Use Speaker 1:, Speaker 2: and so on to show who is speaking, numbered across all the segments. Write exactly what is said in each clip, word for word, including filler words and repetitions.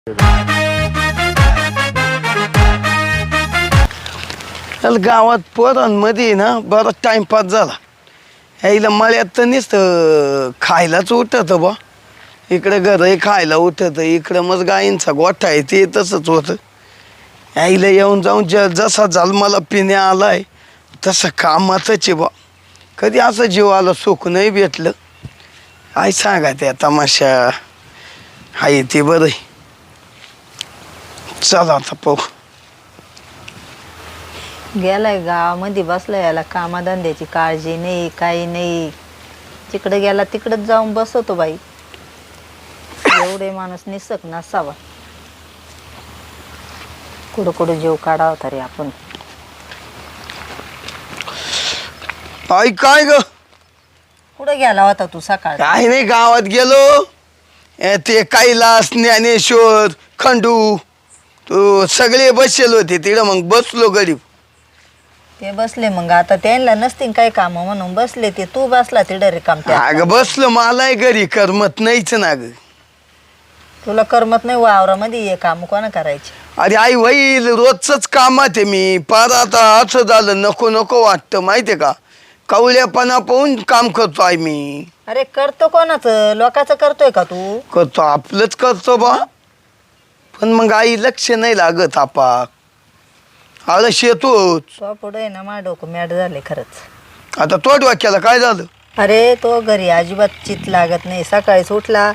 Speaker 1: गावात पोरांमध्ये ना बराच टाइमपास झाला. यायला मळ्यात तर नुसतं खायलाच उठत बा. इकडे घरही खायला उठत, इकडं मग गायींचा गोठा आहे ते तसंच होतं. यायला येऊन जाऊन ज जसा जन्माला पिण्या आलाय तसं कामातच आहे बा. कधी असं जीवाला सुख नाही भेटलं. काय सांगा त्या तमाशा आहे ते बरं आहे. चला आता पाहू.
Speaker 2: गेलाय गावामध्ये बसलाय, याला कामाधंद्याची काळजी नाही काही नाही. तिकडे गेला तिकडेच जाऊन बसतो बाई. एवढे माणूस निसक नसावा. कुठं कुठं जीव काढावा तरी आपण.
Speaker 1: आई काय ग?
Speaker 2: कुठं गेला होता तू सकाळ?
Speaker 1: काय नाही, गावात गेलो. ए, ते कैलास, ज्ञानेश्वर, खंडू तो सगळे बसलेले होते तिकडं. मग बसलो गरीब.
Speaker 2: ते बसले मग आता त्यांना नसतील काही काम म्हणून बसले ते. तू बसला तिकडे रिकाम.
Speaker 1: अगं बसलो, मलाही घरी करमत नाहीच ना ग.
Speaker 2: तुला करमत नाही वावरामध्ये ये काम कोणा करायचे?
Speaker 1: अरे आई होईल रोजच कामात आहे मी. पार आता असं झालं नको नको वाटतं माहितीये का. कवल्यापणा पाहून काम करतो आहे मी.
Speaker 2: अरे करतो कोणाचं? लोकांचं करतोय का तू?
Speaker 1: करतो आपलंच करतो बा. पण मग आई लक्ष नाही लागत आपाक. आळस येतोच.
Speaker 2: तो पुढे ना मा डोकं मॅड झाले खरंच.
Speaker 1: आता तो डोक्याला काय झालं?
Speaker 2: अरे तो घरी अजिबात चित लागत नाही. सकाळीच उठला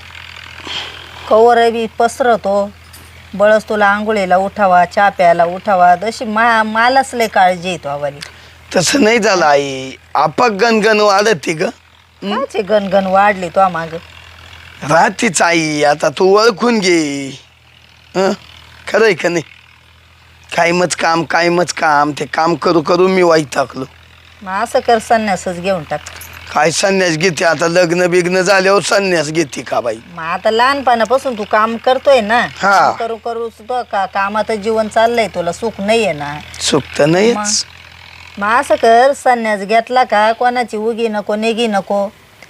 Speaker 2: कवर बी पसरतो. बळच तुला आंघोळीला उठावा, चहा प्यायला उठावा. तशी मा मालाच लय काळजी येतो आवाली.
Speaker 1: तसं नाही झालं आई. आपाक गणगण वाढत ग.
Speaker 2: काचे गणगण वाढली तो माग.
Speaker 1: राहतीच आई. आता तू ओळखून घे. हं खरंय का नाही. कायमच काम कायमच काम. ते काम करू करू मी वैतागलो.
Speaker 2: मग असं कर संन्यासच घेऊन टाक.
Speaker 1: काय संन्यास घेते आता? लग्न बिग्न झाल्यावर संन्यास घेते का बाई?
Speaker 2: मग आता लहानपणापासून तू काम करतोय ना.
Speaker 1: हा.
Speaker 2: करू करू तो का कामात जीवन चाललंय. तुला सुख नाहीये ना.
Speaker 1: सुख तर नाहीच.
Speaker 2: मग असं कर संन्यास घेतला का कोणाची उगी नको नेगी नको.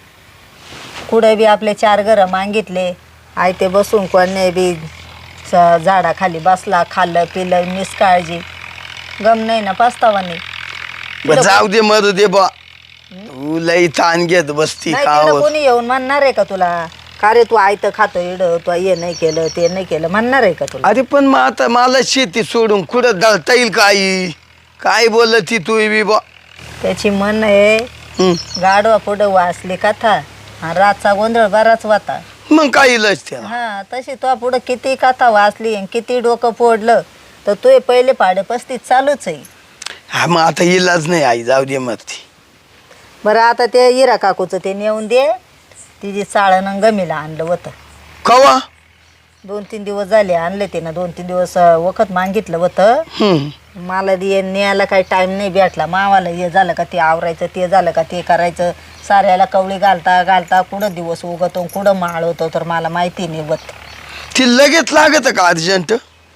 Speaker 2: कुठे बी आपले चार घरं मागितले आय ते बसून कोणी बी झाडाखाली बसला खाल्लं पिलं निष्काळजी. गम नाही ना पस्तावा नाही.
Speaker 1: बरं जाऊ दे मरू दे बा. तू लई ताण घेत बसती
Speaker 2: नाही
Speaker 1: का?
Speaker 2: तिकडं कोणी येऊन म्हणणार आहे का तुला का रे तू आयतं खातो इड तू हे नाही केलं ते नाही केलं म्हणणार आहे का तुला?
Speaker 1: अरे पण मग आता मला शेती सोडून कुठं दळता येईल का आई? काय बोलती तू बी बा?
Speaker 2: त्याची मन आहे
Speaker 1: हं.
Speaker 2: गाडवा पुढं वाचली कथा आणि रातचा गोंधळ बराच वाता.
Speaker 1: मग काय इलाज त्याला?
Speaker 2: हा तशी तो पुढं किती कथा वाचली आणि किती डोकं फोडलं तर तू पहिले पाडे पस्तीस चालूच आहे.
Speaker 1: हा मग आता इलाज नाही आई. जाऊ दे मग ती.
Speaker 2: बरं आता ते इरा काकूचं ते नेऊन दे. तिची चाळण गमीला आणलं होतं.
Speaker 1: कवा?
Speaker 2: दोन तीन दिवस झाले आणले तिनं. दोन तीन दिवस वखत मागितलं होतं.
Speaker 1: हं.
Speaker 2: मला दे न्यायला काही टाईम नाही भेटला. मावाला हे झालं का ते आवरायचं ते झालं का ते करायचं. साऱ्याला कवळी घालता घालता कुठं दिवस उगतो कुठं माळ होतो तर मला माहिती नाही होत.
Speaker 1: ती लगेच लागत का अर्जंट?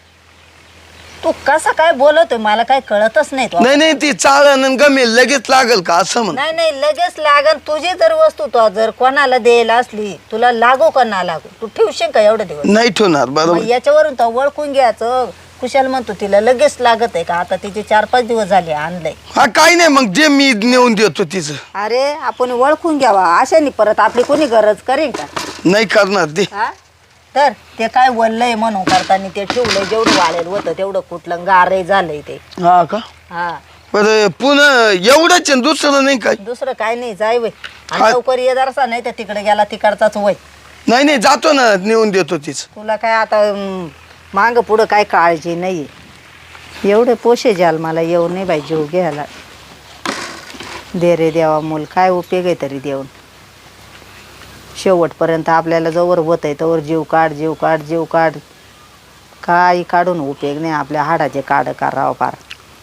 Speaker 2: तू कसं काय बोलवतोय मला काही कळतच नाही. तो
Speaker 1: नाही नाही ती चाळण गमेल लगेच लागल का असं म्हण?
Speaker 2: नाही नाही लगेच लागन. तुझी जर वस्तू तो जर कोणाला द्यायला असली तुला लागो का ना लागो तू ठेवशील का एवढे दिवस?
Speaker 1: नाही ठेवणार. बरोबर.
Speaker 2: याच्यावरून तर ओळखून घ्यायचं. कुशाल म्हणतो तिला लगेच लागत आहे का? आता तिचे चार पाच दिवस झाले आणलंय.
Speaker 1: हा काही नाही मग जे मी नेऊन देतो तिचं.
Speaker 2: अरे आपण ओळखून घ्यावा अशाने परत आपली कोणी गरज करेन का?
Speaker 1: नाही करणार ते.
Speaker 2: हा तर ते काय वल्लय म्हणून करताना ते ठेवलंय. जेवढं वाळेल होतं तेवढं कुठलं गारे झालंय ते.
Speaker 1: हा का?
Speaker 2: हा
Speaker 1: बरं पुन्हा एवढंच आहे, दुसरं नाही काय?
Speaker 2: दुसरं काय नाही. जाय वय
Speaker 1: हा.
Speaker 2: आणि लवकर ये जरासा नाही तर तिकडे गेला तिकडचाच वय.
Speaker 1: नाही नाही जातो ना नेऊन देतो तिचं.
Speaker 2: तुला काय आता माग पुढं काय काळजी नाही. एवढे पोशे जाल मला येऊ नाही बाई जीव घ्यायला. दे रे देवा मूल काय उपयोग आहे तरी देऊन. शेवटपर्यंत आपल्याला जवळ होत आहे तवर जीव काढ जीव काढ जीव काढ. काही काढून उपयोग नाही. आपल्या हाडाचे काढ करावं पार.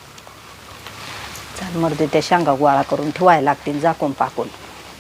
Speaker 2: चाल मरते त्या शेंगा गोळा करून ठेवायला लागतील झाकून पाकून.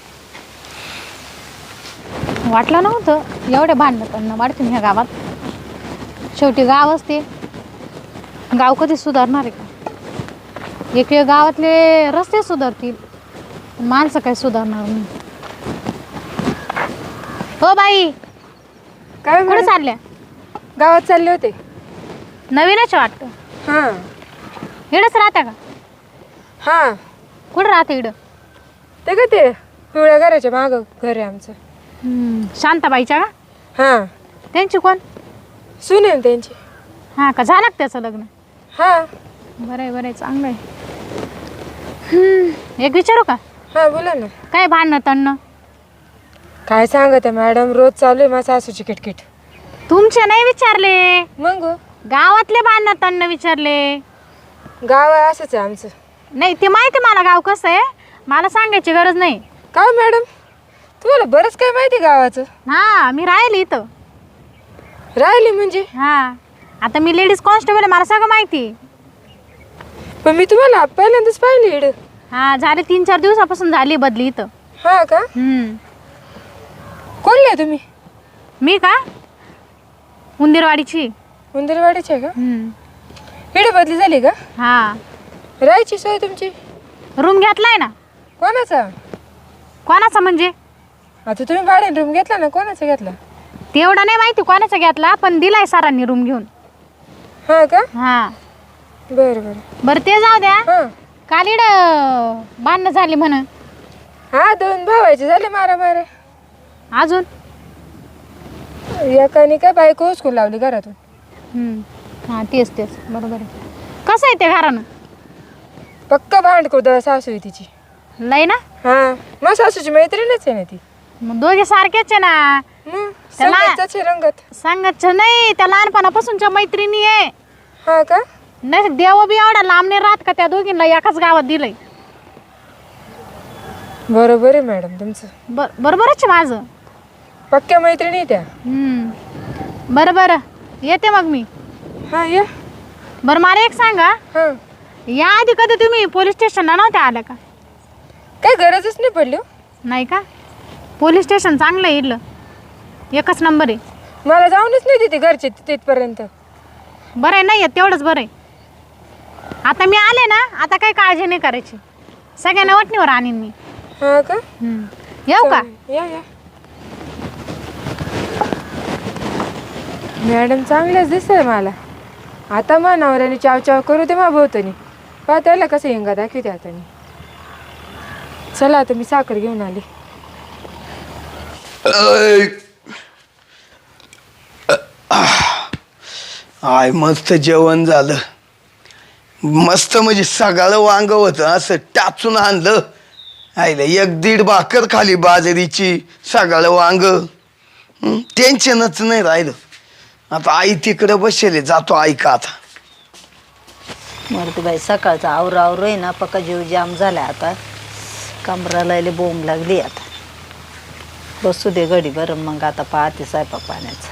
Speaker 3: वाटलं नव्हतं एवढे भांडणं करणं वाढतील ह्या गावात. शेवटी गाव असते. गाव कधी सुधारणार आहे का? एक वेळ गावातले रस्ते सुधारतील माणसं काय सुधारणार नाही. हो बाई
Speaker 4: काय
Speaker 3: कुठे चालल्या?
Speaker 4: गावात चालले होते.
Speaker 3: नवीनच वाटतं.
Speaker 4: हां
Speaker 3: इडंच राहत्या का?
Speaker 4: हां
Speaker 3: कुठं राहते इडं?
Speaker 4: ते का ते पिवळ्या घराच्या मागं घर आहे आमचं.
Speaker 3: हम्म, शांताबाईच्या का?
Speaker 4: हां
Speaker 3: त्यांची कोण?
Speaker 4: सून आहे ना त्यांची.
Speaker 3: हां का, झालं का त्याचं लग्न?
Speaker 4: हां
Speaker 3: बरं आहे बरं आहे, चांगलं आहे. हम्म, एक विचारू का?
Speaker 4: हां बोला ना.
Speaker 3: काय भांडणं तणणं?
Speaker 4: काय सांगत आहे मॅडम, रोज चालू आहे माझ्या सासूची किटकिट.
Speaker 3: तुमचे नाही विचारले,
Speaker 4: मग हो,
Speaker 3: गावातले भांडणं तणणं विचारले.
Speaker 4: गाव आहे असंच आहे आमचं.
Speaker 3: नाही ते माहिती मला गाव कसं आहे, मला सांगायची गरज नाही.
Speaker 4: का हो मॅडम, तुम्हाला बरंच काय माहिती गावाचं?
Speaker 3: हां, मी राहिली इथं.
Speaker 4: राहिली म्हणजे?
Speaker 3: हां, आता मी लेडीज कॉन्स्टेबल आहे, मला सगळं माहिती.
Speaker 4: पण मी तुम्हाला पहिल्यांदाच पाहिली इकडं.
Speaker 3: हां, झाले तीन चार दिवसापासून झाली बदली इथं.
Speaker 4: हां का?
Speaker 3: हम्म.
Speaker 4: कोणले आहे तुम्ही?
Speaker 3: मी का, उंदीरवाडीची.
Speaker 4: उंदरवाडीचे आहे का?
Speaker 3: हम्म.
Speaker 4: इकडे बदली झाली का?
Speaker 3: हां,
Speaker 4: राहायची सोय तुमची?
Speaker 3: रूम घेतलाय ना.
Speaker 4: कोणाचा?
Speaker 3: कोणाचा म्हणजे?
Speaker 4: आता तुम्ही भाड्याने रूम घेतला ना, कोणाचा घेतला?
Speaker 3: तेवढं नाही माहिती कोणाचा घेतला, पण दिलाय सरांनी रूम घेऊन.
Speaker 4: हां का?
Speaker 3: हां,
Speaker 4: बरं बरं.
Speaker 3: बरं ते जाऊ द्या.
Speaker 4: हां
Speaker 3: काल इड बांधणं झाली म्हण.
Speaker 4: हां दोन भावायचे झाले मारा मारा.
Speaker 3: अजून?
Speaker 4: एकाने काय बायको उचकून लावली घरातून.
Speaker 3: हम्म. हां, तेच तेच बरोबर आहे. कसं आहे ते घरानं?
Speaker 4: पक्क भांडखोर सासू आहे तिची.
Speaker 3: लय ना?
Speaker 4: हां मग सासूची मैत्रीणच आहे ना ती.
Speaker 3: मग दोघे सारखेच आहे ना.
Speaker 4: मग
Speaker 3: त्याला-
Speaker 4: संगतच आहे रंगत.
Speaker 3: सांगत नाही, त्या लहानपणापासूनच्या मैत्रिणी आहे.
Speaker 4: हां का?
Speaker 3: नाही देव बी एवढा लांब नाही राहत का त्या दोघींना एकाच गावात दिलंय.
Speaker 4: बरोबर आहे मॅडम तुमचं.
Speaker 3: बर बरोबरच आहे माझं.
Speaker 4: पक्क्या मैत्रिणी त्या.
Speaker 3: हम्म. बरं बरं, येते मग मी.
Speaker 4: हां या.
Speaker 3: बरं मला एक सांगा,
Speaker 4: हां
Speaker 3: या आधी कधी तुम्ही पोलीस स्टेशनला नव्हत्या आल्या का?
Speaker 4: काय गरजच नाही पडली हो.
Speaker 3: नाही का? पोलीस स्टेशन चांगलं आहे इथलं, एकच नंबर आहे.
Speaker 4: मला जाऊनच नाही देते घरचे तिथपर्यंत.
Speaker 3: बरं आहे, नाही आहे तेवढंच बरं आहे. आता मी आले ना, आता काही काळजी नाही करायची, सगळ्यांना वटणीवर आणीन मी.
Speaker 4: हां का?
Speaker 3: हम्म. येऊ का?
Speaker 4: या या. मॅडम चांगलेच दिसतंय मला. आता मा नवऱ्याने चाव चाव करू दे मा भोवतनी. पहा त्याला कसं हिंगा दाखवते आता मी. चला आता मी साखर घेऊन आली.
Speaker 1: आय मस्त जेवण झालं, मस्त म्हणजे सगळं वांग होतं असं टाचून आणलं. आईला एक दीड भाकर खाली बाजरीची, सगळं वांग. टेन्शनच नाही राहिलं. आता आई तिकडे बसेल, जातो आई का आता.
Speaker 2: मरते बाई, सकाळचा आवरा आवरो आहे ना, पक्का जीव जाम झाला आता. कमराला लय बोंब लागली आता. बसू दे घडी बरं, मग आता पाहते स्वयंपाक पाण्याचं.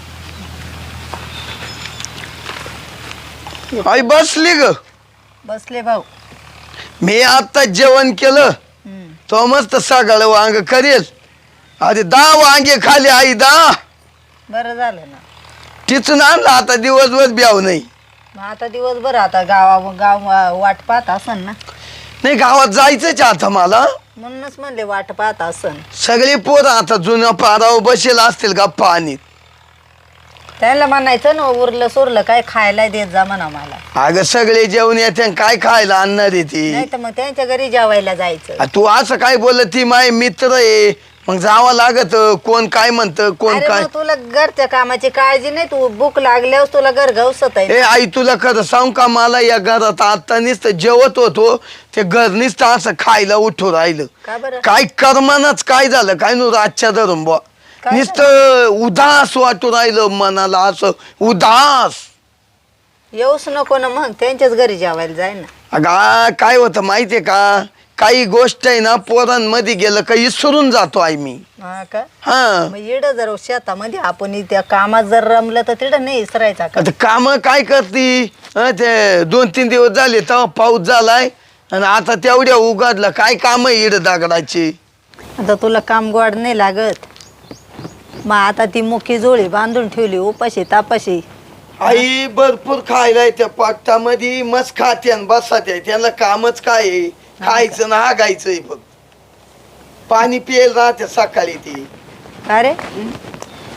Speaker 1: आई बसली ग.
Speaker 2: बसले भाऊ.
Speaker 1: मी आता जेवण केलं,
Speaker 2: हम्म.
Speaker 1: तो मस्त सगळं वांग करेल. अरे दहा वांगे खाली आई, दहा.
Speaker 2: बरं झालं ना.
Speaker 1: तिथून आणलं, आता दिवसभर ब्याव नाही.
Speaker 2: मग आता दिवसभर आता गावा गाव वाट पाहत असन ना.
Speaker 1: नाही गावात जायचंच आता मला,
Speaker 2: म्हणूनच म्हणले वाट पाहत असन.
Speaker 1: सगळे पोरं आता जुन्या पारावर बसेल असतील गप्पा आणि.
Speaker 2: त्याला म्हणायचं ना, उरलं सुरलं काय खायला देत जा म्हणा मला.
Speaker 1: अगं सगळे जेवण येते, काय खायला आणणार आहे ती.
Speaker 2: नाही तर मग त्यांच्या घरी जेवायला जायचं.
Speaker 1: आ, तू असं काय बोलत, ती माय मित्र आहे, मग जावं लागत. कोण काय म्हणतं, कोण
Speaker 2: अरे
Speaker 1: काय.
Speaker 2: मग तुला घरच्या कामाची काळजी नाही, तू भूक लागल्यावर तुला घर घावसत आहे.
Speaker 1: ए आई तुला खरं सांग का, मला या घरात आता नुसतं जेवत होतो, ते घर नुसतं असं खायला उठू राहिलं.
Speaker 2: का बरं?
Speaker 1: काय कर्मानच काय झालं काय नु रातच्या धरून बुवा,
Speaker 2: काय
Speaker 1: नुसतं उदास वाटू राहिलं मनाला, असं उदास.
Speaker 2: येऊच नको ना, मग त्यांच्याच घरी जेवायला जाय ना.
Speaker 1: अगा काय होतं माहितीये का, काही गोष्ट आहे ना पोरांमध्ये गेलं का विसरून जातो आई मी.
Speaker 2: हा का?
Speaker 1: हा
Speaker 2: मग इड जर शेतामध्ये आपण त्या कामात जर रमलं तर तिथं नाही इसरायचा का?
Speaker 1: आता काम काय करती. हं, ते दोन तीन दिवस झाले तेव्हा पाऊस झालाय, आणि आता तेवढ्या उघडलं काय काम आहे इड दगडाची.
Speaker 2: आता तुला काम गोड नाही लागत. मग आता ती मुखी जोळी बांधून ठेवली उपाशी तापाशी.
Speaker 1: आई भरपूर खायला त्या पाकटामध्ये मस्त खाते आणि बसाते, त्यांना कामच काय आहे, खायचं ना हागायचंय फक्त. पाणी पियला राहते सकाळी ती.
Speaker 2: का रे?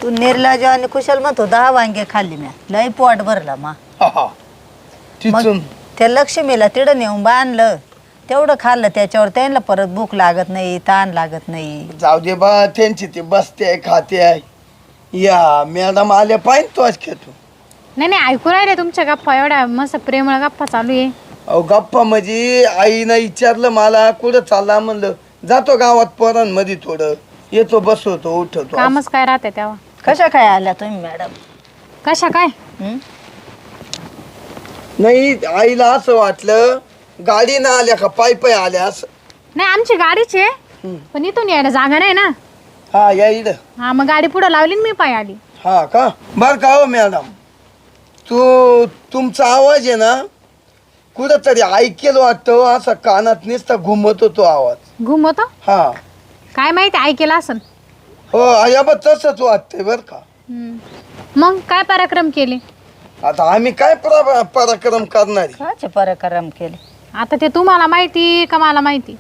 Speaker 2: तू निर्लाज आणि कुशल म्हणतो दहा वांगे खाल्ली म्या लई पोट भरला मा
Speaker 1: हा, हा. तिथून
Speaker 2: त्या लक्ष्मीला तिडं नेऊन बांधलं तेवढं खाल्लं त्याच्यावर त्यांना परत भूक लागत नाही ताण लागत नाही.
Speaker 1: जाऊ दे बा त्यांची ते बसते आहे खाते आहे या मॅडम आल्या पाहिजे तो आज खेळतो.
Speaker 3: नाही नाही ऐकू राहिले तुमच्या गप्पा एवढ्या मस्त प्रेमळ गप्पा चालू आहे.
Speaker 1: अहो गप्पा म्हणजे आईनं विचारलं मला कुठं चालला म्हणलं जातो गावात पोरांमध्ये थोडं येतो बसवतो उठवतो.
Speaker 3: कामच काय राहते तेव्हा.
Speaker 2: कशा काय आल्या तुम्ही मॅडम?
Speaker 3: कशा काय?
Speaker 2: हं?
Speaker 1: नाही आईला असं वाटलं गाडी ना आल्या का पायी पायी आल्या असं.
Speaker 3: नाही आमची गाडीच आहे
Speaker 1: हं.
Speaker 3: पण इथून यायला जागा नाही ना.
Speaker 1: हा या इड
Speaker 3: हा मग गाडी पुढे लावली आणि मी पाय आली.
Speaker 1: हा का बर का हो मॅडम तू तुमचा आवाज आहे ना कुठंतरी ऐकेल वाटतो असं कानात नुसता घुमत होतो आवाज.
Speaker 3: घुमवतो
Speaker 1: हा
Speaker 3: काय माहिती ऐकेला असन.
Speaker 1: हो या बा तसंच वाटतंय बर का.
Speaker 3: हं. मग काय पराक्रम केले?
Speaker 1: आता आम्ही काय परा पराक्रम करणार आहे?
Speaker 2: काचे पराक्रम केले?
Speaker 3: आता ते तुम्हाला माहिती का मला माहिती?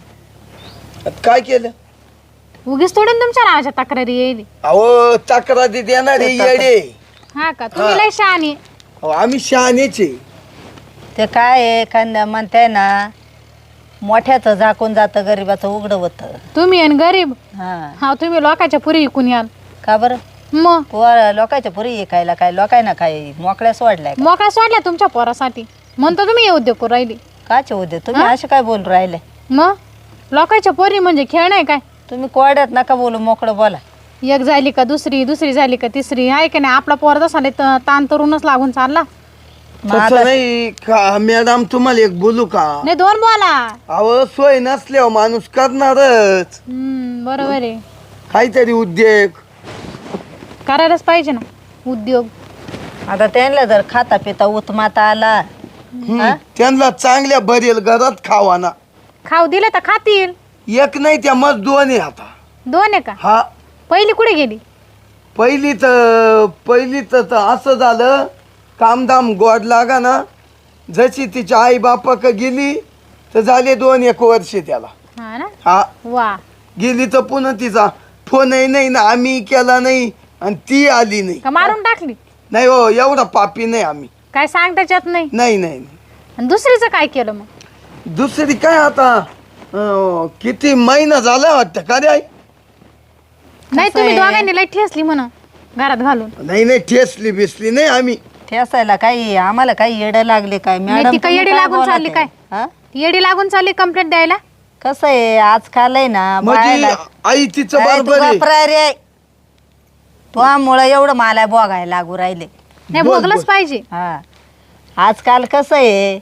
Speaker 1: आता काय केलं?
Speaker 3: उगीच थोडी ना तुमच्या नावाच्या तक्रारी येईल.
Speaker 1: अहो तक्रारी देणारे येडे.
Speaker 3: हा का तुम्ही
Speaker 1: हा.
Speaker 3: लय शहाणी.
Speaker 1: अहो, आम्ही शहाणेचे.
Speaker 2: ते काय आहे एखाद्या म्हणताय ना मोठ्याचं झाकून जातं गरीबाचं उघडं होतं.
Speaker 3: तुम्ही आणि गरीब.
Speaker 2: हा
Speaker 3: हा तुम्ही लोकांच्या पुरी इकून याल.
Speaker 2: का बरं?
Speaker 3: मग
Speaker 2: पोर लोकांच्या पुरी ऐकायला काय लोकांना काय मोकळ्या सोडलाय का?
Speaker 3: मोकळा सोडला तुमच्या पोरासाठी म्हणतो तुम्ही हे उद्योग करू राहिली.
Speaker 2: काचे होते तुम्ही
Speaker 3: हा?
Speaker 2: असे काय बोलू राहिले?
Speaker 3: मग लोकांच्या पोरी म्हणजे खेळ नाही काय.
Speaker 2: तुम्ही कोड्यात नका बोलू मोकळं बोला.
Speaker 3: एक झाली का दुसरी दुसरी झाली का तिसरी आहे का नाही. आपला पोर तसा लय त- ताण तरूनच लागून चालला.
Speaker 2: मग आता-
Speaker 1: तसं नाही का मॅडम तुम्हाला एक बोलू का?
Speaker 3: नाही दोन बोला.
Speaker 1: अहो सोय नसल्यावर माणूस करणारच
Speaker 3: हम्म बरोबर आहे.
Speaker 1: काहीतरी उद्योग.
Speaker 3: करायलाच पाहिजे ना उद्योग.
Speaker 2: आता त्यांना जर खाता पिता उत्माता आला
Speaker 1: हम्म, त्यांना चांगल्या भरेल घरात खावा ना.
Speaker 3: खाऊ दिलं तर खातील.
Speaker 1: एक नाही त्या मग दोन आहे आता.
Speaker 3: दोन आहे का?
Speaker 1: हा
Speaker 3: पहिली कुठे गेली?
Speaker 1: पहिली तर पहिली तर तर असं झालं कामधाम गोड लागा ना जशी तिच्या आई बापाक गेली तर झाले दोन एक वर्ष त्याला.
Speaker 3: हा ना.
Speaker 1: हा
Speaker 3: वा
Speaker 1: गेली तर पुन्हा तिचा फोनही नाही ना आम्ही केला नाही आणि ती आली नाही.
Speaker 3: का मारून टाकली?
Speaker 1: नाही हो एवढा पापी नाही आम्ही.
Speaker 3: काय सांग त्याच्यात नाही.
Speaker 1: नाही नाही नाही.
Speaker 3: आणि दुसरीचं काय केलं मग?
Speaker 1: दुसरी काय आता अं, किती महिना झाला वाटतं का रे आई?
Speaker 3: नाही
Speaker 2: कसं
Speaker 3: तुम्ही
Speaker 2: आहे?
Speaker 3: दोघांनी लय ठेसली म्हणा घरात घालून.
Speaker 1: नाही नाही ठेसली बिसली नाही आम्ही.
Speaker 2: ठेसायला काही आम्हाला काही येडं लागले काय
Speaker 3: नाही,
Speaker 2: मॅडम?
Speaker 3: ती काय
Speaker 2: तुम्ही
Speaker 3: येडी
Speaker 2: काय
Speaker 3: लागून
Speaker 2: बोलत
Speaker 3: चालली
Speaker 2: आहे?
Speaker 3: काय?
Speaker 2: हा?
Speaker 3: येडी लागून चालली कंप्लेंट द्यायला.
Speaker 2: कसं आहे आजकाल आहे ना
Speaker 1: म्हणजे
Speaker 2: बायाला-
Speaker 1: आई तिचं
Speaker 2: काय तू
Speaker 1: बरोबर आहे.
Speaker 2: घाबराय रे तुझ्यामुळं एवढं मला बघायला लागू राहिले.
Speaker 3: नाही
Speaker 1: बोल,
Speaker 3: भोगलंच
Speaker 1: बोल.
Speaker 3: पाहिजे.
Speaker 2: हा आजकाल कसं आहे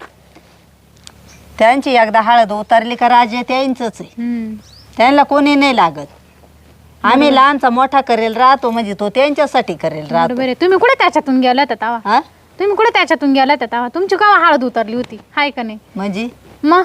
Speaker 2: त्यांची एकदा हळद उतरली का राजे त्यांचंच आहे.
Speaker 3: हम्म.
Speaker 2: त्यांना कोणी नाही लागत. आम्ही लहानचा मोठा करेल राहतो म्हणजे तो त्यांच्यासाठी करेल
Speaker 3: बरोबर
Speaker 2: राहतो.
Speaker 3: आहे. तुम्ही कुठे त्याच्यातून गेला होता तेव्हा?
Speaker 2: हा
Speaker 3: तुम्ही कुठे त्याच्यातून गेला होता तेव्हा? तुमची केव्हा हळद उतरली होती हाय का नाही?
Speaker 2: म्हणजे
Speaker 3: मग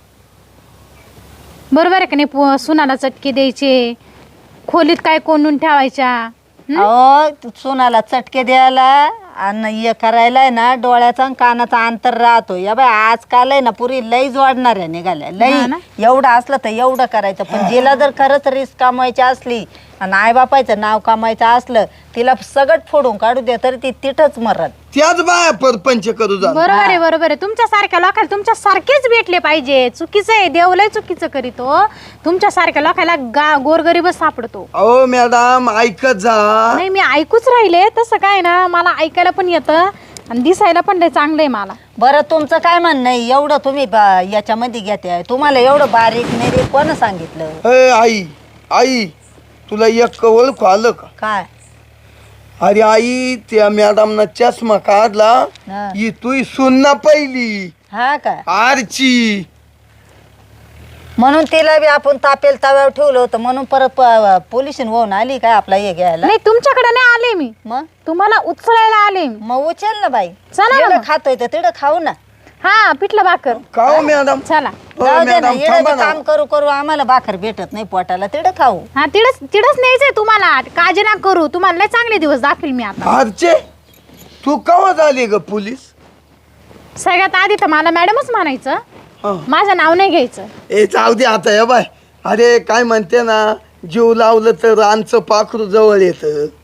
Speaker 3: बरोबर आहे का नाही? पो- सुनाला चटके द्यायचे खोलीत काय कोंडून ठेवायच्या. हं?
Speaker 2: अहो सोनाला चटके द्यायला आणि हे करायला आहे ना डोळ्याचा आणि कानाचा अंतर राहतो. या बाय आजकाल आहे ना पुरी लई जोडणाऱ्या निघाल्या
Speaker 3: हा
Speaker 2: लई.
Speaker 3: ना.
Speaker 2: एवढं असलं तर एवढं करायचं पण जिला जर खरंच रिस्क कमवायची असली आणि आईबापायचं नाव कमायचं असलं तिला सगळं फोडून काढू द्या तरी ती तिथंच मरत.
Speaker 1: त्याच बाया परपंच करू जा.
Speaker 3: बरोबर आहे बरोबर आहे. तुमच्या सारख्या लोकांना तुमच्या सारखेच भेटले पाहिजे. चुकीचं आहे देवलय चुकीचं करीतो. तुमच्या सारख्या लोकांना गा गोरगरीबच सापडतो.
Speaker 1: अहो मॅडम ऐकत जा.
Speaker 3: नाही मी ऐकूच राहिले. तसं काय ना मला ऐकायला पण येतं आणि दिसायला पण लय चांगलं आहे मला.
Speaker 2: बरं तुमचं काय म्हणणं आहे एवढं तुम्ही बा- याच्यामध्ये घेते तुम्हाला एवढं बारीक नाही कोण सांगितलं?
Speaker 1: ए आई आई तुला एक ओळख आलं का?
Speaker 2: काय?
Speaker 1: अरे आई त्या मॅडमना चष्मा काढला
Speaker 2: हा.
Speaker 1: ही तू सुनना पहिली
Speaker 2: हा काय
Speaker 1: आरची.
Speaker 2: म्हणून तिला बी आपण तापेल तव्यावर ठेवलं होतं म्हणून परत प- पोलिसीन होऊन आली काय आपला हे घ्यायला?
Speaker 3: नाही तुमच्याकडे नाही आले मी.
Speaker 2: मग
Speaker 3: तुम्हाला उचलायला आले मी.
Speaker 2: मग उचल ना बाई.
Speaker 3: चला ना
Speaker 2: जेवढं
Speaker 3: मग.
Speaker 2: खातोय तर तिथं खाऊ ना.
Speaker 3: हा पिठलं भाकर.
Speaker 1: का हो मॅडम?
Speaker 3: चला.
Speaker 1: हो
Speaker 2: जाऊ दे ना
Speaker 1: मॅडम
Speaker 2: येणं
Speaker 1: थांबा
Speaker 2: बी
Speaker 1: ना.
Speaker 2: काम करू करू आम्हाला भाकर भेटत नाही पोटाला तिथं खाऊ.
Speaker 3: हा तिडच तिडच न्यायचंय तुम्हाला. काळजी ना करू. तुम्हाला लय चांगले दिवस दाखवेल मी आता.
Speaker 1: आरचे तू कवा झाली ग पोलीस?
Speaker 3: सगळ्यात आधी तर मला मॅडमच म्हणायचं.
Speaker 1: हा.
Speaker 3: माझं नाव नाही घ्यायचं.
Speaker 1: ए जाऊ दे आता या बाय. अरे काय म्हणते ना जीव लावलं तर रानचं पाखरू जवळ येतं.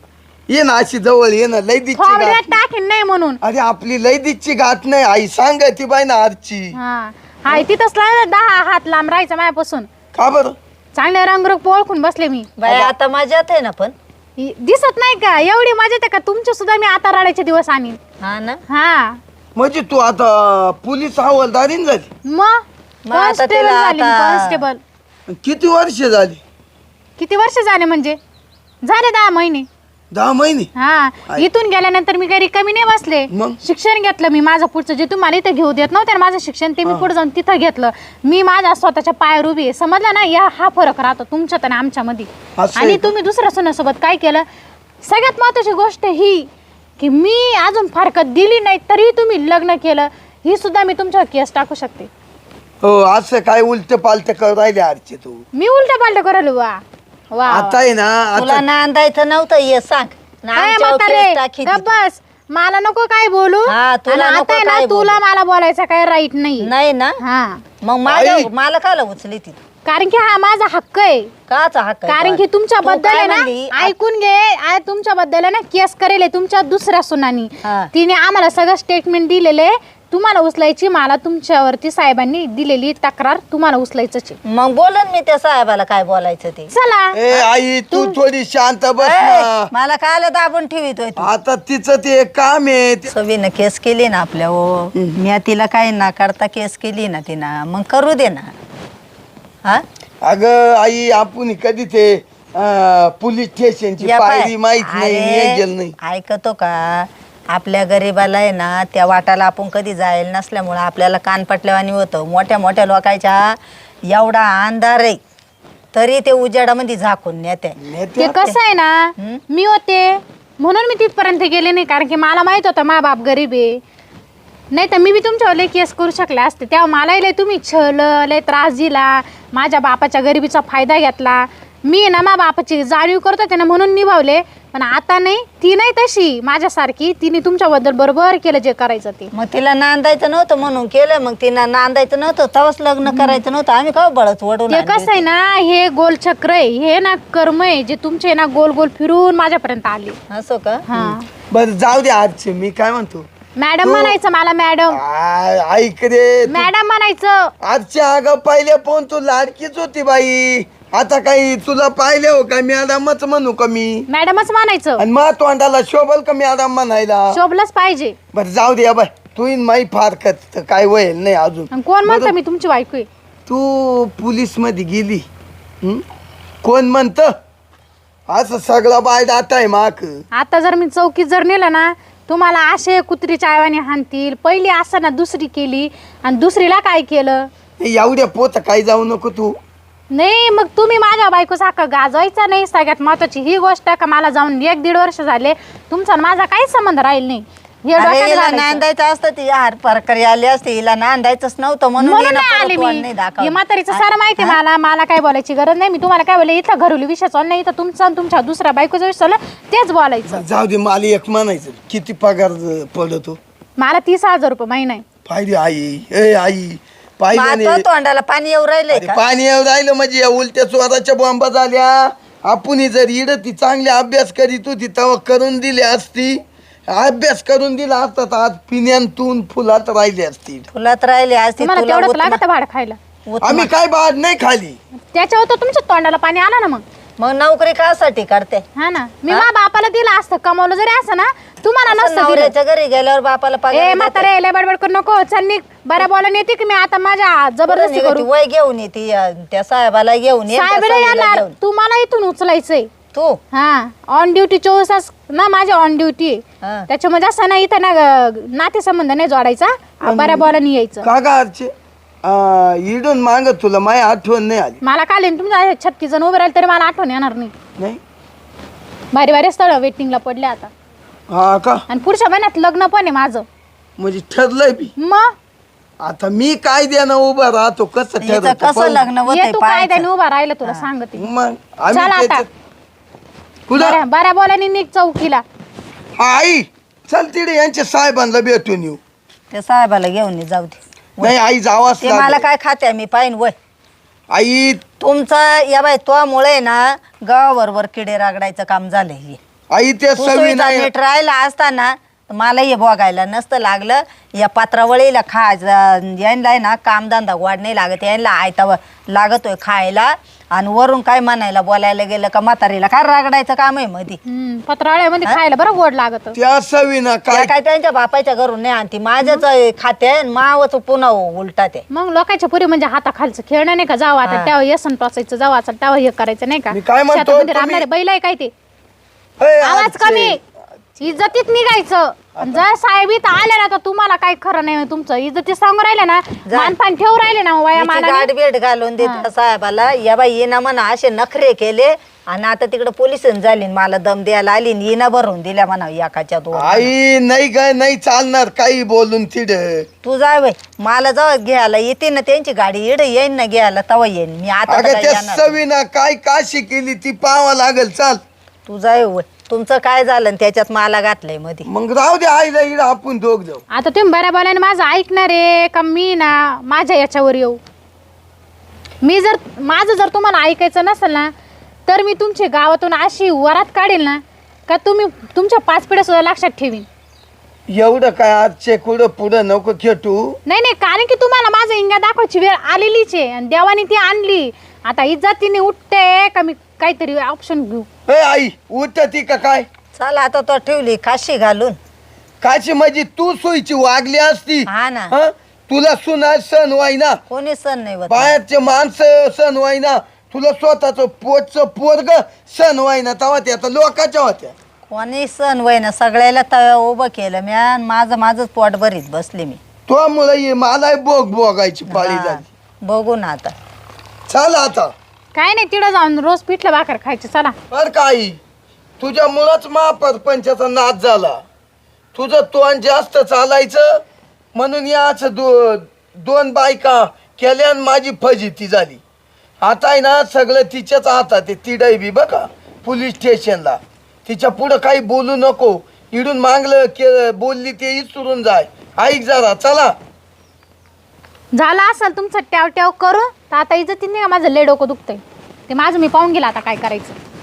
Speaker 1: ये ना अशी जवळ ये ना लैदीची
Speaker 3: थोबड्यात
Speaker 1: गाठ
Speaker 3: टाकीन नाही म्हणून.
Speaker 1: अरे आपली लैदीची गाठ नाही आई सांग ती बाई ना आरची
Speaker 3: हा हाय तिथंच ला- दहा हात लांब राहायचं माझ्यापासून.
Speaker 1: का बरं
Speaker 3: चांगले रंगरूप ओळखून बसले मी.
Speaker 2: बाई आता मजात आहे ना पण.
Speaker 3: इ- दिसत नाही का एवढी मजा येते का तुमच्या सुद्धा मी आता रडायचे दिवस आणीन.
Speaker 2: हा ना.
Speaker 3: हा
Speaker 1: म्हणजे तू आता पोलीस हवालदारीन झाली
Speaker 3: मग
Speaker 2: मग आता
Speaker 3: कॉन्स्टेबल
Speaker 2: त्याला
Speaker 3: झाली
Speaker 2: आता-
Speaker 3: कॉन्स्टेबल.
Speaker 1: किती वर्ष झाली
Speaker 3: किती वर्ष झाले म्हणजे झाले दहा महिने.
Speaker 1: दहा महिने
Speaker 3: हा इथून गेल्यानंतर मी काही रिकामी नाही बसले.
Speaker 1: मग?
Speaker 3: शिक्षण घेतलं मी माझं पुढचं जे तुम्हाला इथं घेऊ देत नव्हतं ना माझं शिक्षण ते मी पुढे जाऊन तिथं घेतलं. मी माझ्या स्वतःच्या पायावर उभी आहे समजलं ना. या हा फरक राहतो तुमच्यात आणि आमच्यामध्ये.
Speaker 1: असं आहे
Speaker 3: आणि
Speaker 1: का?
Speaker 3: तुम्ही दुसऱ्या सोन्यासोबत काय केलं सगळ्यात महत्वाची गोष्ट ही की मी अजून फारकत दिली नाही तरी तुम्ही लग्न केलं ही सुद्धा मी तुमच्यावर केस टाकू शकते.
Speaker 1: हो असं काय उलट पालट कर राहिले आरची तू
Speaker 3: मी उलट पालट करायला वा वा
Speaker 1: आता आहे ना
Speaker 2: तुला
Speaker 1: आता
Speaker 2: नांदायचं नव्हतं ये सांग ना
Speaker 3: काय
Speaker 2: आमच्यावर
Speaker 3: म्हातारे,
Speaker 2: केस टाकी
Speaker 3: गप्प
Speaker 2: ती.
Speaker 3: बस. मला नको काय बोलू.
Speaker 2: हा, तुला
Speaker 3: आणि
Speaker 2: नको
Speaker 3: आता आहे ना
Speaker 2: काय
Speaker 3: तुला मला बोलायचा काय राईट नाही.
Speaker 2: नाही ना
Speaker 3: हा
Speaker 2: मग माझ्या
Speaker 1: आई.
Speaker 2: मला काला उचली ती
Speaker 3: कारण की हा माझा हक्क आहे.
Speaker 2: काचा हक्क आहे
Speaker 3: कारण की
Speaker 2: तो?
Speaker 3: तुमच्या
Speaker 2: तू
Speaker 3: बद्दल
Speaker 2: काय
Speaker 3: आहे ना
Speaker 2: म्हणली?
Speaker 3: ऐकून घे आय तुमच्या बद्दल आहे ना केस करेल आहे तुमच्या दुसऱ्या सुनानी.
Speaker 2: हा.
Speaker 3: तिने आम्हाला सगळं स्टेटमेंट दिलेले तुम्हाला उचलायची मला तुमच्यावरती साहेबांनी दिलेली तक्रार तुम्हाला उचलायचंच आहे.
Speaker 2: मग बोलन मी त्या साहेबाला काय बोलायचं ते.
Speaker 3: चला
Speaker 1: ए आई तू थोडी शांत बस
Speaker 2: ए,
Speaker 1: ना
Speaker 2: मला कायला दाबून ठेवितोय तू.
Speaker 1: आता तिचं ते काम आहे ते-
Speaker 2: सवीनं केस केली ना आपल्या ओ मी तिला काही ना करता केस केली ना तिनं मग करू दे ना. हा
Speaker 1: अगं आई आपण कधी ते अं, पोलीस स्टेशनची
Speaker 2: या पाय.
Speaker 1: पायरी माहित नाही
Speaker 2: अरे,
Speaker 1: मी गेलं नाही
Speaker 2: ऐकतो का आपल्या गरीबाला आहे ना त्या वाटाला आपण कधी जायला नसल्यामुळं आपल्याला कान पटल्यावानी होतं. मोठ्या मोठ्या लोकांच्या एवढा अंधार आहे तरी ते उजेडामध्ये झाकून नेते.
Speaker 3: ते कसं आहे ना
Speaker 2: हं?
Speaker 3: मी होते म्हणून मी तिथपर्यंत गेले नाही कारण की मला माहित होतं मा बाप गरीब आहे. नाही तर मी बी तुमच्यावर लय केस करू शकले असते. तेव्हा मलाही लय तुम्ही छळ लय त्रास दिला माझ्या बापाच्या गरिबीचा फायदा घेतला. मी ना मा बापाची जाणीव करत होते ना म्हणून निभावले. पण आता नाही ती नाही तशी माझ्यासारखी तिने तुमच्याबद्दल बरोबर केलं जे करायचं ते.
Speaker 2: मग तिला नांदायचं नव्हतं म्हणून केलं. मग तिला नांदायचं नव्हतं तेव्हाच लग्न करायचं नव्हतं. आम्ही का बळच वडून
Speaker 3: ते कसं आहे ना हे गोलचक्र आहे हे ना कर्म आहे जे तुमचे ना गोल गोल फिरून माझ्यापर्यंत आले.
Speaker 2: असो का
Speaker 3: हा
Speaker 1: बरं जाऊ दे आजचे मी काय म्हणतो
Speaker 3: मॅडम म्हणायचं मला मॅडम
Speaker 1: आ- ऐक रे तू-
Speaker 3: मॅडम म्हणायचं.
Speaker 1: आजच्या अगं पहिले पण तू लाडकीच होती बाई आता काही तुला पाहिले हो का मॅडमच म्हणू का मी
Speaker 3: मॅडमच म्हणायचं
Speaker 1: आणि मग तोंडाला शोभल का मॅडम म्हणायला
Speaker 3: शोभलंच पाहिजे.
Speaker 1: बरं जाऊ दे बाय तू इन माई फारकत काय वयल नाही अजून
Speaker 3: आणि कोण म्हणतं मी तुमची बायको आहे.
Speaker 1: तू पोलीस मध्ये गेली हं? कोण म्हणत असं सगळं बाय दाता आहे माक
Speaker 3: आता जर मी चौकीत जर नेलं ना तुम्हाला असे कुत्रीच्या आयवाने हाणतील. पहिली असं ना दुसरी केली आणि दुसरीला काय केलं
Speaker 1: एवढ्या पोत काय जाऊ नको तू
Speaker 3: नाही. मग तुम्ही माझ्या बायको सारखं गाजवायचा नाही. सगळ्यात महत्वाची ही गोष्ट का मला जाऊन एक दीड वर्ष झाले तुमचा आणि माझा काहीच संबंध राहील नाही. हे
Speaker 2: अरे
Speaker 3: डोक्यात
Speaker 2: हिला
Speaker 3: घालायचं.
Speaker 2: नांदायचं असतं ती हार प्रकारे आली असते. हिला नांदायचंच नव्हतं म्हणून
Speaker 3: म्हणून
Speaker 2: हिनं
Speaker 3: नाही
Speaker 2: परत
Speaker 3: आले
Speaker 2: वन
Speaker 3: मी
Speaker 2: नाही दाखवलं.
Speaker 3: हे म्हातारीचं सारं माहिती आहे मला. मला काय बोलायची गरज नाही. मी तुम्हाला काय बोलले इथं घरुली विषय चालला नाही इथं तुमचा आणि तुमच्या दुसऱ्या बायकोचा विषय चालला तेच बोलायचं.
Speaker 1: जाऊ दे मला एक म्हणायचं किती पगार पडतो
Speaker 3: मला तीस हजार रुपये महिना आहे.
Speaker 1: पाहिजे आई ए आई पाहिजे
Speaker 2: मग
Speaker 1: नाही
Speaker 2: आता तोंडाला पाणी येऊ राहिलंय
Speaker 1: अरे
Speaker 2: का?
Speaker 1: पाणी येऊ राहिलं म्हणजे या उलट्या स्वराच्या बॉम्बा झाल्या. आपण जर इड ती चांगली अभ्यास करीत होती तेव्हा करून दिली असती. अभ्यास करून दिला असता तर आज पिण्यातून फुलात राहिली असती.
Speaker 2: फुलात राहिले असते
Speaker 3: तुम्हाला
Speaker 2: तुला
Speaker 3: तेवढंच
Speaker 2: उतमा-
Speaker 3: लागतं भाडं खायला.
Speaker 2: उतमा.
Speaker 1: आम्ही काय बाद नाही खाली
Speaker 3: त्याच्यावर तर तुमच्या तोंडाला पाणी आलं ना. मग
Speaker 2: मग नोकरी कासाठी करते
Speaker 3: हा ना मी मा बापाला दिलं असतं कमवलं जरी असं ना तुम्हाला
Speaker 2: असं
Speaker 3: नसतं दिलं.
Speaker 2: नवऱ्याच्या घरी गेल्यावर बापाला
Speaker 3: ए
Speaker 2: पगार देते.
Speaker 3: म्हातारे लय बडबड करू नको. चल निघ बऱ्या बोलायला येते की मी आता माझ्या जबरदस्ती
Speaker 2: ती
Speaker 3: करू.
Speaker 2: वय घेऊन येते अं, त्या साहेबाला घेऊन ये, त्या
Speaker 3: साहेब
Speaker 2: साहेबाला
Speaker 3: येणार
Speaker 2: घेऊन.
Speaker 3: तुम्हाला इथून उचलायचंय.
Speaker 2: तू
Speaker 3: हा ऑन ड्युटी चोवीस तास ना माझ्या ऑन ड्युटी
Speaker 2: हा.
Speaker 3: त्याच्यामध्ये असं ना इथं ना नाते संबंध नाही जोडायचा बऱ्या बोलाने यायचं.
Speaker 1: का गा आरचे इडून माग तुला माय आठवण नाही आली
Speaker 3: मला काल तुमच्या छत्तीस जण उभे राहिले तरी मला आठवण येणार नाही.
Speaker 1: नाही
Speaker 3: भारी भारी स्थळ वेटिंगला पडले आता.
Speaker 1: हा का
Speaker 3: आणि पुढच्या महिन्यात लग्न पण आहे माझं.
Speaker 1: म्हणजे ठरलंय बी
Speaker 3: मग
Speaker 1: आता मी काय द्यानं उभा राहतो कसं
Speaker 2: हिचं
Speaker 1: ठरवतो
Speaker 2: कसं
Speaker 1: पाहू.
Speaker 2: लग्न
Speaker 3: ये
Speaker 2: होतंय
Speaker 3: तू
Speaker 2: पाहायचं.
Speaker 3: कायद्याने उभा राहिलं तुला सांगते.
Speaker 1: मग
Speaker 3: चल
Speaker 1: आम्ही
Speaker 3: आता
Speaker 1: त्याच्यात- कुठं
Speaker 3: बऱ्या बऱ्या बोलाने निघ चौकीला.
Speaker 1: हा, आई चल तिथे यांच्या साहेबांना भेटून येऊ.
Speaker 2: त्या साहेबाला घेऊन ये, जाऊ दे.
Speaker 1: नाही आई जावाच
Speaker 2: ते मला
Speaker 1: लागेल.
Speaker 2: काय खाते मी पाहिन वय
Speaker 1: आई
Speaker 2: तुमचं या बाय तो मुळे ना गावाबरोबर किडे रागडायचं काम झालंय हे.
Speaker 1: आई ते
Speaker 2: तू
Speaker 1: सवी
Speaker 2: सुईचा
Speaker 1: नाही
Speaker 2: नीट राहिला असताना तर मला हे बघायला नसतं लागलं. या पात्रावळीला खायचं यांना ना कामधंदा वाढ नाही लागत, यांना आयता लागतोय खायला. आणि वरून काय म्हणायला बोलायला गेलं का म्हातारीला काय रागडायचं काम आहे मध्ये.
Speaker 3: हम्म, पत्रावळ्यामध्ये खायला बरं गोड लागत.
Speaker 1: त्या सवीना
Speaker 2: त्या
Speaker 1: काय
Speaker 2: काय त्यांच्या बापाच्या घरून नाही आणती, माझ्याच खाते आणि मावच पुन्हा उलटा ते.
Speaker 3: मग लोकांच्या पुरी म्हणजे हाताखालचं खेळणं नाही का, जावं आता
Speaker 2: हा.
Speaker 3: तेव्हा येसन टोचायचं, जावं आता तेव्हा हे करायचं नाही का.
Speaker 1: मी काय म्हणतो,
Speaker 3: शेतामध्ये
Speaker 1: तुम्ही-
Speaker 3: राबणारे बैल आहे काय ते.
Speaker 1: ए,
Speaker 3: आवाज
Speaker 1: आजचे.
Speaker 3: कमी, इज्जतीत निघायचं. आणि जर साहेब इथं आले ना तर तुम्हाला काही खरं नाही तुमचं. इज्जती सांगून राहिले ना,
Speaker 2: जा.
Speaker 3: मानपान ठेवून राहिले ना वया मला.
Speaker 2: गाठ भेट घालून देत साहेबाला, या बाई येणं म्हणा असे नखरे केले आणि आता तिकडे पोलिस झाली मला दम द्यायला आली येणं भरून दिल्या म्हणा एकाच्या दोन.
Speaker 1: आई नाही काय नाही चालणार काही बोलून तिड.
Speaker 2: तू जाय बाई, मला जाऊ घ्यायला येते ना त्यांची गाडी इड येईन ना घ्यायला तवा येईन मी. आता तर
Speaker 1: अगं
Speaker 2: काय
Speaker 1: त्या
Speaker 2: येणार.
Speaker 1: सवीना काय काशी केली ती पाहावं लागल. चाल
Speaker 2: तू जाय वय. तुमचं काय झालं आणि त्याच्यात मला घातलंय मध्ये.
Speaker 1: मग राहू दे आईला इड आपण दोघ जाऊ.
Speaker 3: आता तुम्ही बऱ्या बोलाने माझं ऐकणार आहे का मी ना माझ्या याच्यावर येऊ. मी जर माझं जर तुम्हाला ऐकायचं नसेल ना तर मी तुमची गावातून अशी वरात काढेल ना का तुम्ही तुमच्या पाच पिढ्या सुद्धा लक्षात ठेवीन.
Speaker 1: एवढं काय आजचे कुठं पुढं नको खेटू.
Speaker 3: नाही नाही, कारण की तुम्हाला माझं इंगा दाखवायची वेळ आलेलीच आहे आणि देवाने ती आणली. आता इज्जतीने उठते का मी काहीतरी ऑप्शन घेऊ.
Speaker 1: ए आई उठती का काय.
Speaker 2: चला आता तो ठेवली काशी घालून.
Speaker 1: काशी म्हणजे तू सोयीची वागली असती.
Speaker 2: हा ना.
Speaker 1: हं? तुला सुना सण व्हायना,
Speaker 2: कोणी सण नाही होत.
Speaker 1: बाहेरचे माणसं सण व्हायना, तुला स्वतःच पोटच पोरग सण व्हायना. तेव्हा ते आता लोकांच्या होत्या.
Speaker 2: कोणी सण वय ना, सगळ्याला तव्या उभं केलं मी आणि माझं माझंच पोट भरीत बसले मी.
Speaker 1: तो मुळे मला बोग बोगायची पाळी
Speaker 2: हा,
Speaker 1: झाली.
Speaker 2: बघू ना आता.
Speaker 1: चाल आता
Speaker 3: काय नाही, तिथं जाऊन रोज पिठलं भाकर खायची. चला
Speaker 1: बर का आई, तुझ्या मुळाच महापरपंचाचा नाच झाला. तुझं तोंड जास्त चालायचं म्हणून याच दो दोन बायका केल्या आणि माझी फजिती झाली. आता आहे ना सगळं तिच्याच हातात आहे. ती बी बघा पोलीस स्टेशनला. तिच्या पुढं काही बोलू नको. इडून मागलं के बोलली ते इचरून जाय. ऐक जरा चला.
Speaker 3: झालं असेल तुमचं ट्याव ट्याव करू तर आता इज्जतीने का माझं लय डोकं दुखतंय. ते माझं मी पाहून गेला आता काय करायचं.